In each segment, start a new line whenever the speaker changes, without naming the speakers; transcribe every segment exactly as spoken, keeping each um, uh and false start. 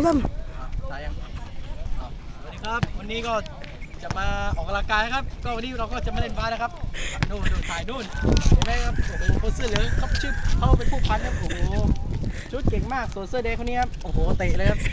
สาม
ตายยังสวัสดีครับวันนี้ก็จะมาออกกำลังกายครับก็วันนี้เราก็จะมาเล่นบาสนะครับนู่นถ่ายนู่นเห็นไหมครับโอ้โหคนเสื้อเหลืองเขาชื่อเขาเป็นผู้พันครับโอ้โหชุดเก่งมากส่วนเสื้อแดงคนนี้ครับโอ้โหเตะเลยครับ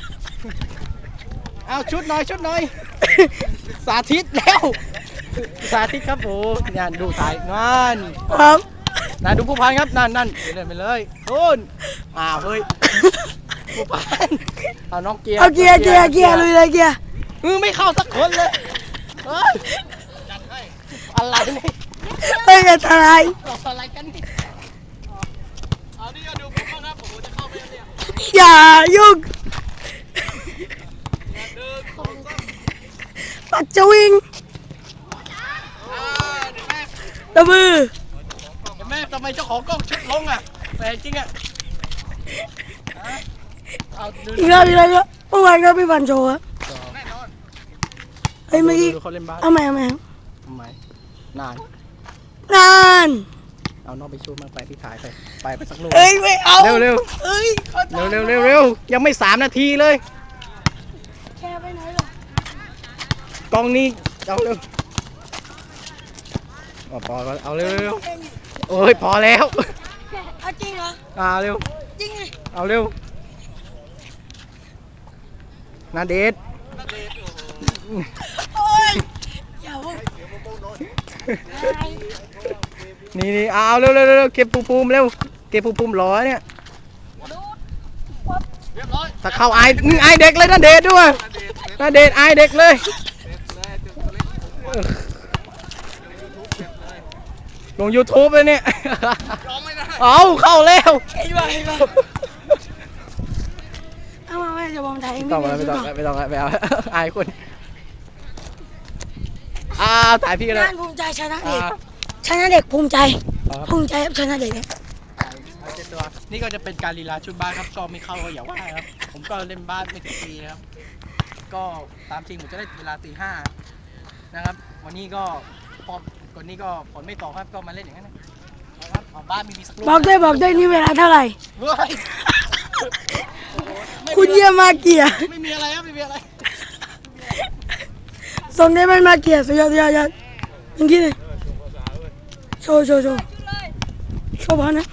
เอาชุดหน่อยชุดหน่อยสาธิตแล้วสาธิตครับโอ้ยดูถ่ายนั่น
ครับ
นั่นดูผู้พันครับนั่นนั่นเดินไปเลยนู่นอ้าวเฮ้ยผู้พันเอาน้องเกียร์
เอาเกียร์เกียร์เกียร์ลุยเลยเกียร์
มือไม่เข้าสักคนเลยเฮ้ยจัดให้อะไรเนี่ย
เฮ้ยอะไร
บอกอะไรกันนี่เอานี่ก็ดูผมบ้างครับโอ้โหจะเข้าไปเนี่ย
อย่ายุ่งปัดจะวิ่งตะมือ
เห็นไหมทำไมเจ้าของกล้องชุดลงอ่ะแปลกจริงอ่ะ
อีกแล้วอีกแล้วเมื่อวานก็พี่บันโชว์อะเฮ้ยเมื่อกี้เอาใหม่เอาใหม่
ทำไมนาน
นาน
เอาน้องไปชูมาไปพี่ถ่ายไปไปไปสักลูก
เอ้ยไม่เอา
เร็วเร็ว
เอ้ย
เร็วเร็วเร็วเร็วยังไม่สามนาทีเลย
แค่ไปไหนหร
อกล้องนี้เอาเร็วพอก็เอาเร็วเร็วโอ้ยพอแล้ว
เอาจริงเหรอ
อ่าเร็ว
จริงไง
เอาเร็วนาเดช
โอ้ยอย่าพูด
นี่นี่เอาเร็วเร็วเร็วเก็บปูปูมเร็วเก็บปูปูมร้อยเนี่ยถ้าเข้าไอไอเด็กเลยนาเดชด้วยนาเดชไอเด็กเลยลง ยูทูบ เลยเนี่ยเอาเข้าแล้ว
เอามาแม่จะบอมไทย
ไม่ต้องไม่ต้องไม่ต้องไม่เอาอายคนอ่าถ่ายพี่กันเลย
ภูมิใจชนะเด็กชนะเด็กภูมิใจภูมิใจครับชนะเด็กเนี่ย
นี่ก็จะเป็นการลีลาชุดบ้านครับก็ไม่เข้าก็อย่าว่าครับผมก็เล่นบ้านไม่กี่ปีนะครับก็ตามจริงผมจะได้เวลาตีห้านะครับวันนี้ก็พอก่อนนี้ก็ฝนไม่ตกครับก็มาเล่นอย่างนั้นนะครับเอาบ้านมีมีสักลูก
บอกได้บอกได้นี่เวลาเท่าไหร่คุณเยี่ยมมากเกียร์
ไม่มีอะไรครับไม่มีอะไร
ส่งได้ไม่มาเกียร์สุดยอดสุดยอดอย่างนี้เลยโชว์โชว์โชว์โชว์พอนะ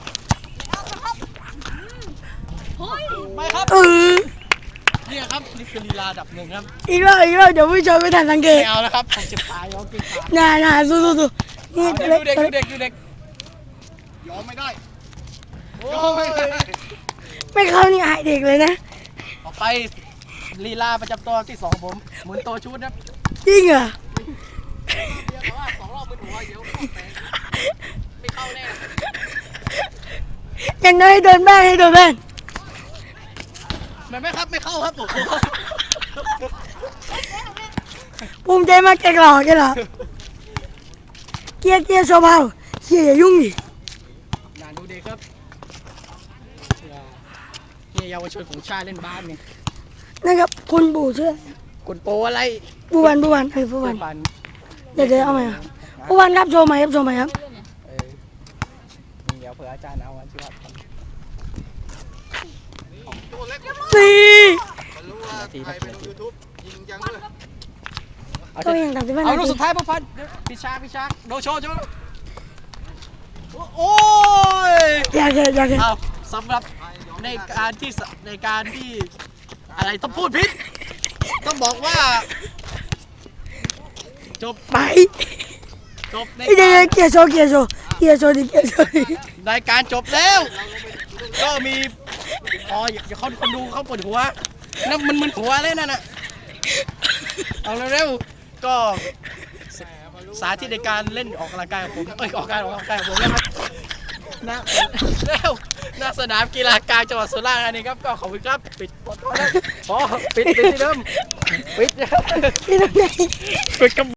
ไม่ครับ
เออ
นี่ครับนี่คือลีลาดับหนึ่งครับ
อีกแล้วอีกแล้วเดี๋ยวผู้ชมไม่ทันสังเกต
ไม่เอาแล้วครับผมจะตายเอากินขา
น่าน่าสู้สู้สู้
นี่ดูเด็กดูเด็กดูเด็กยอมไม่ได้ยอมไม่ได้
ไม่เข้านี่อายเด็กเลยนะ
ต่อไปลีลาประจำตัวที่สองผมหมุนตัวชุดนะ
จริงเหรอ
สองรอบมือหัวเดี๋ยวไม่เข้าแน่
ยังน้อยโดนบ้างให้โดนบ้าง
ไม่ไม่ครับไม่เข้าครับผม
ภูมิใจมากแกหล่อแกหล่อเกียร์เกียร์โชว์เบาเกียร์อย่ายุ่งดิ
อย่าดูเด็กครับเนี่ยเยาวชนของชาติเล่นบ้านนี่
นะครับคุณปู่เชื่อ
คุณโปอะไร
ปู่วันปู่วันเฮ้ยปู่วันเดี๋ยวเดี๋ยวเอาไหมปู่วันครับโชว์ไหมครับโชว์ไหมครับ
เดี๋ยวเผื่ออาจารย์เอาวันที่ว่า
สี่ก็ยังตัดสินใจ
เอาลูกสุดท้ายพวกพันพิชาพิชาโดโชว์จ้ะโอ้ย
อยากเห็นอยากเห็น
เอาสำหรับในการที่ในการที่อะไรต้องพูดพิษต้องบอกว่าจบ
ไป
จบใน
การเกียร์โชว์เกียร์โชว์เกียร์โชว์ดิเกียร์โชว์ดิ
รายการจบแล้วก็มีอ๋ออย่าเขาคนดูเขาปวดหัวนั่นมันมึนหัวเลยนั่นน่ะเอาเร็วๆก็สาธิตในการเล่นออกกำลังกายของผมเอ้ยออกการออกกำลังกายของผมนะครับนะเร็วหน้าสนามกีฬากลางจังหวัดสุราษฎร์ธานีครับก็ขอบคุณครับปิดพอปิดปิดที่เดิมปิดปิดกับ